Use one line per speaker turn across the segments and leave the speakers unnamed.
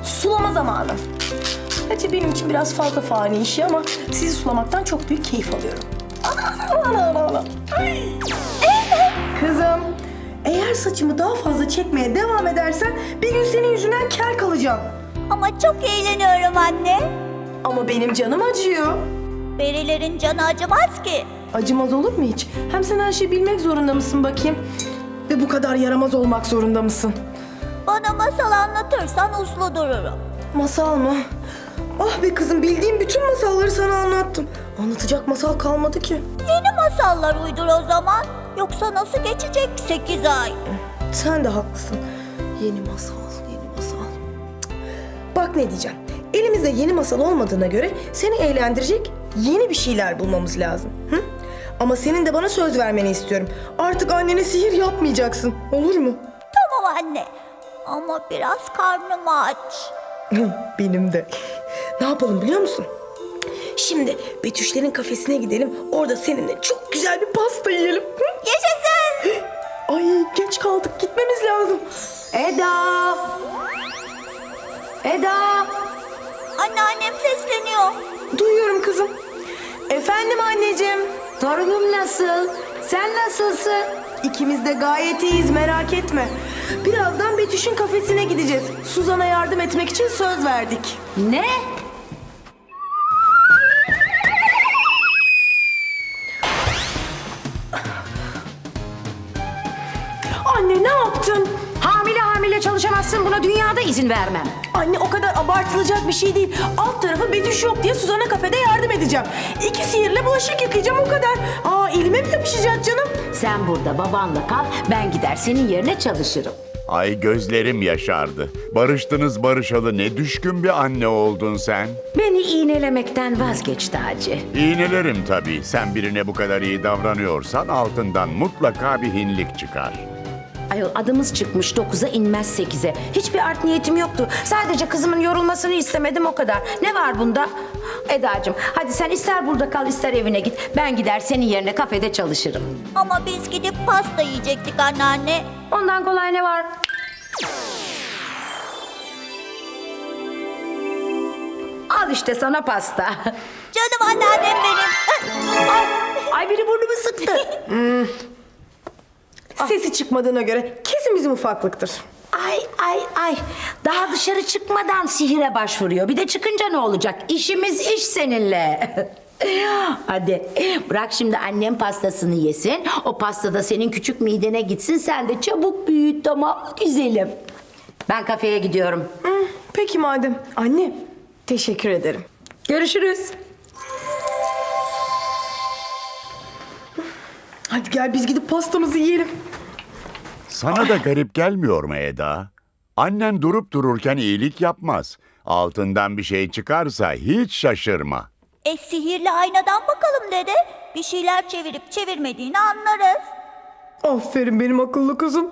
sulama zamanı. Gerçi benim için biraz fazla fani işi ama sizi sulamaktan çok büyük keyif alıyorum. Ana. Ay. Kızım, eğer saçımı daha fazla çekmeye devam edersen bir gün senin yüzünden kel kalacağım.
Ama çok eğleniyorum anne.
Ama benim canım acıyor.
Perilerin canı acımaz ki.
Acımaz olur mu hiç? Hem sen her şeyi bilmek zorunda mısın bakayım? Ve bu kadar yaramaz olmak zorunda mısın?
Bana masal anlatırsan uslu dururum.
Masal mı? Ah be kızım, bildiğim bütün masalları sana anlattım. Anlatacak masal kalmadı ki.
Yeni masallar uydur o zaman. Yoksa nasıl geçecek 8 ay?
Sen de haklısın. Yeni masal, yeni masal. Cık. Bak ne diyeceğim. Elimizde yeni masal olmadığına göre seni eğlendirecek yeni bir şeyler bulmamız lazım. Hı? Ama senin de bana söz vermeni istiyorum. Artık annene sihir yapmayacaksın. Olur mu?
Tamam anne. Ama biraz karnım aç.
Benim de. Ne yapalım biliyor musun? Şimdi Betüşlerin kafesine gidelim. Orada seninle çok güzel bir pasta yiyelim. Hı?
Yaşasın.
Ay geç kaldık. Gitmemiz lazım.
Eda! Eda!
Anneannem sesleniyor.
Duyuyorum kızım. Efendim anneciğim.
Torunum nasıl? Sen nasılsın?
İkimiz de gayet iyiyiz, merak etme. Birazdan Betüş'ün kafesine gideceğiz. Suzan'a yardım etmek için söz verdik.
Ne?
Anne ne yaptın?
Hamile çalışamazsın, buna dünyada izin vermem.
Anne o kadar abartılacak bir şey değil. Alt tarafı Betüş yok diye Suzan'a kafede yardım edeceğim. 2 sihirle bulaşık yıkayacağım, o kadar. Aa, elime mi yapışacak canım?
Sen burada babanla kal, ben gider senin yerine çalışırım.
Ay gözlerim yaşardı. Barıştınız barışalı ne düşkün bir anne oldun sen.
Beni iğnelemekten vazgeç Taci.
İğnelerim tabii. Sen birine bu kadar iyi davranıyorsan altından mutlaka bir hinlik çıkar.
Ayol adımız çıkmış 9'a inmez 8'e. Hiçbir art niyetim yoktu. Sadece kızımın yorulmasını istemedim, o kadar. Ne var bunda? Edacığım hadi sen ister burada kal ister evine git. Ben gider senin yerine kafede çalışırım.
Ama biz gidip pasta yiyecektik anneanne.
Ondan kolay ne var? Al işte sana pasta.
Canım anneannem benim.
Ay biri burnumu sıktı.
Sesi çıkmadığına göre kesin bizim ufaklıktır.
Ay. Daha dışarı çıkmadan sihire başvuruyor. Bir de çıkınca ne olacak? İşimiz iş seninle. Hadi bırak şimdi annem pastasını yesin. O pasta da senin küçük midene gitsin. Sen de çabuk büyüt, tamam mı güzelim? Ben kafeye gidiyorum.
Peki madem. Anne, teşekkür ederim.
Görüşürüz.
Hadi gel biz gidip pastamızı yiyelim.
Sana da garip gelmiyor mu Eda? Annen durup dururken iyilik yapmaz. Altından bir şey çıkarsa hiç şaşırma.
Sihirli aynadan bakalım dede. Bir şeyler çevirip çevirmediğini anlarız.
Aferin benim akıllı kızım.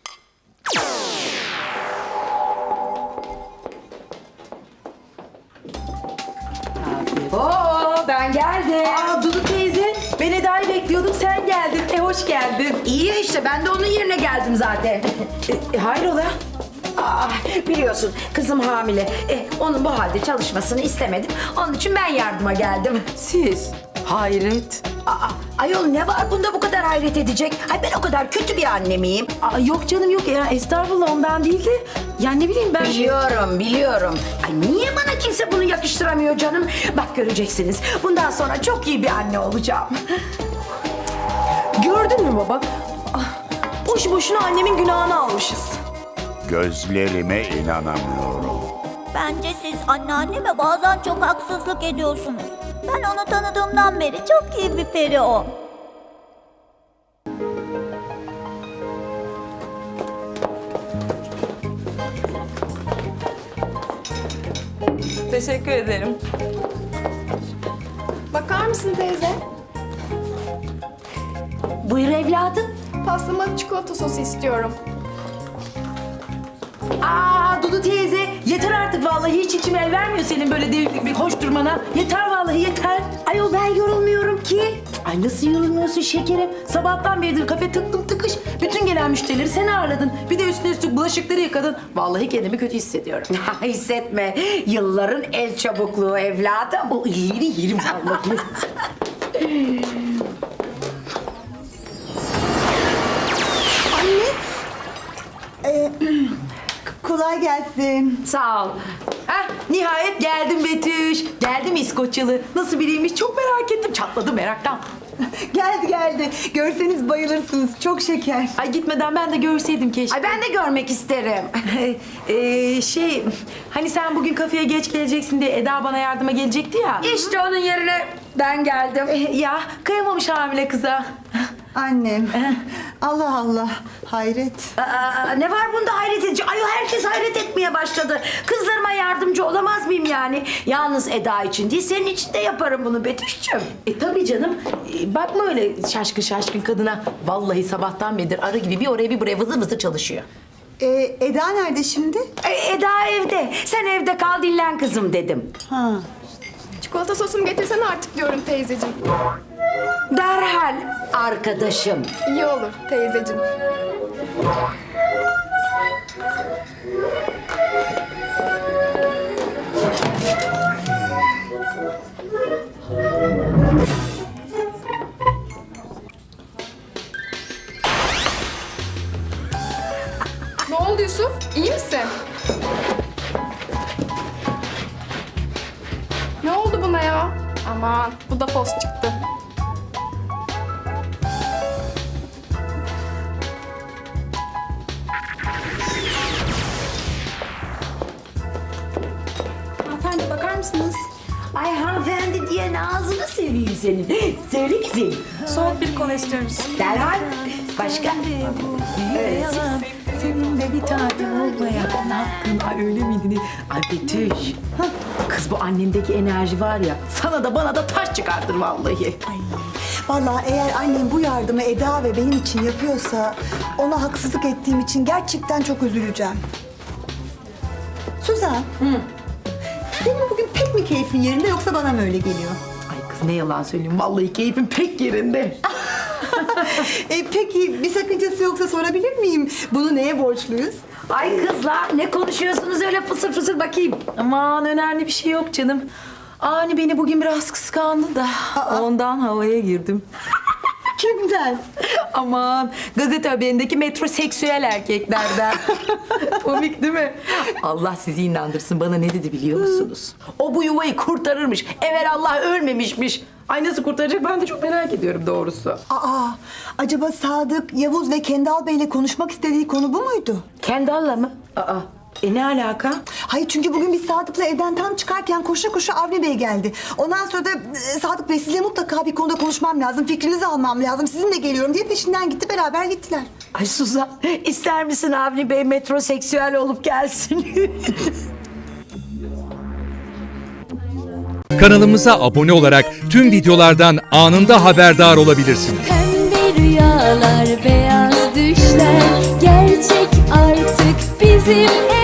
Oo, ben geldim.
Aa Dudu teyze, ben Eda'yı bekliyordum, sen geldin. Hoş geldin.
İyi ya işte, ben de onun yerine geldim zaten.
Hayrola?
Biliyorsun kızım hamile. Onun bu halde çalışmasını istemedim. Onun için ben yardıma geldim.
Siz? Hayret.
Ayol ne var bunda bu kadar hayret edecek? Ay ben o kadar kötü bir anne miyim?
Yok canım yok ya, estağfurullah, ondan değil de. Ya ne bileyim ben...
Biliyorum. Ay niye bana kimse bunu yakıştıramıyor canım? Bak göreceksiniz. Bundan sonra çok iyi bir anne olacağım.
Gördün mü baba? Boş boşuna annemin günahını almışız.
Gözlerime inanamıyorum.
Bence siz anneanneme bazen çok haksızlık ediyorsunuz. Ben onu tanıdığımdan beri çok iyi bir peri o.
Teşekkür ederim.
Bakar mısın teyze?
Buyur evladım.
Pastama çikolata sosu istiyorum.
Dudu teyze, yeter artık vallahi, hiç içim el vermiyor senin böyle bir koşturmana. Yeter vallahi, yeter.
Ayol ben yorulmuyorum ki. Ay nasıl yorulmuyorsun şekerim? Sabahtan beridir kafe tıktım tıkış. Bütün gelen müşterileri sen ağırladın. Bir de üstüne üstlük bulaşıkları yıkadın. Vallahi kendimi kötü hissediyorum. Hissetme. Yılların el çabukluğu evladım. O iri yerim vallahi.
Kolay gelsin.
Sağ ol. Heh, nihayet geldim Betüş. Geldim İskoçyalı. Nasıl biriymiş çok merak ettim. Çatladım meraktan.
Geldi. Görseniz bayılırsınız. Çok şeker.
Ay gitmeden ben de görseydim keşke. Ay ben de görmek isterim. Hani sen bugün kafeye geç geleceksin diye Eda bana yardıma gelecekti ya. İşte onun yerine ben geldim. Ya kıyamamış hamile kıza.
Annem. Allah Allah. Hayret.
Ne var bunda hayret edici? Ay herkes hayret etmeye başladı. Kızlarıma yardımcı olamaz mıyım yani? Yalnız Eda için değil, senin için de yaparım bunu Betüş'cüğüm. Tabii canım. Bakma öyle şaşkın şaşkın kadına. Vallahi sabahtan beridir arı gibi bir oraya bir buraya vızır vızır çalışıyor.
Eda nerede şimdi?
Eda evde. Sen evde kal dinlen kızım dedim.
Ha.
Çikolata sosumu getirsene artık diyorum teyzeciğim.
Derhal arkadaşım.
İyi olur teyzeciğim. Ne oldu Yusuf? İyi misin? Ne oldu buna ya? Aman bu da fos çıktı.
Hanımefendi bakar mısınız?
Ay hanımefendi diye ağzını seveyim senin. Söyle kızım.
Soğuk bir kola istiyoruz.
Derhal. Başka? Evet. Senin de bir tadım olmaya hakkın. Ay öyle miydin? Ay Betüş. Kız bu annendeki enerji var ya. Sana da bana da taş çıkartır vallahi.
Vallahi eğer annem bu yardımı Eda ve benim için yapıyorsa ona haksızlık ettiğim için gerçekten çok üzüleceğim. Suzan. Senin bugün pek mi keyfin yerinde yoksa bana mı öyle geliyor?
Ay kız ne yalan söyleyeyim. Vallahi keyfim pek yerinde.
Peki bir sakıncası yoksa sorabilir miyim? Bunu neye borçluyuz?
Ay kızlar ne konuşuyorsunuz öyle fısır fısır bakayım. Aman önemli bir şey yok canım. Ani beni bugün biraz kıskandı da ondan havaya girdim.
Kimden?
Aman gazete haberindeki metroseksüel erkeklerden. Komik değil mi? Allah sizi inandırsın bana ne dedi biliyor musunuz? O bu yuvayı kurtarırmış. Evelallah ölmemişmiş. Ay nasıl kurtaracak ben de çok merak ediyorum doğrusu.
Acaba Sadık, Yavuz ve Kendal Bey'le konuşmak istediği konu bu muydu?
Kendall'la mı? Ne alaka?
Hayır çünkü bugün biz Sadık'la evden tam çıkarken koşa koşa Avni Bey geldi. Ondan sonra da Sadık Bey size mutlaka bir konuda konuşmam lazım, fikrinizi almam lazım, sizinle geliyorum diye peşinden gitti, beraber gittiler.
Ay Suzan ister misin Avni Bey metroseksüel olup gelsin?
Kanalımıza abone olarak tüm videolardan anında haberdar olabilirsiniz.
Pembe rüyalar, beyaz düşler gerçek artık bizim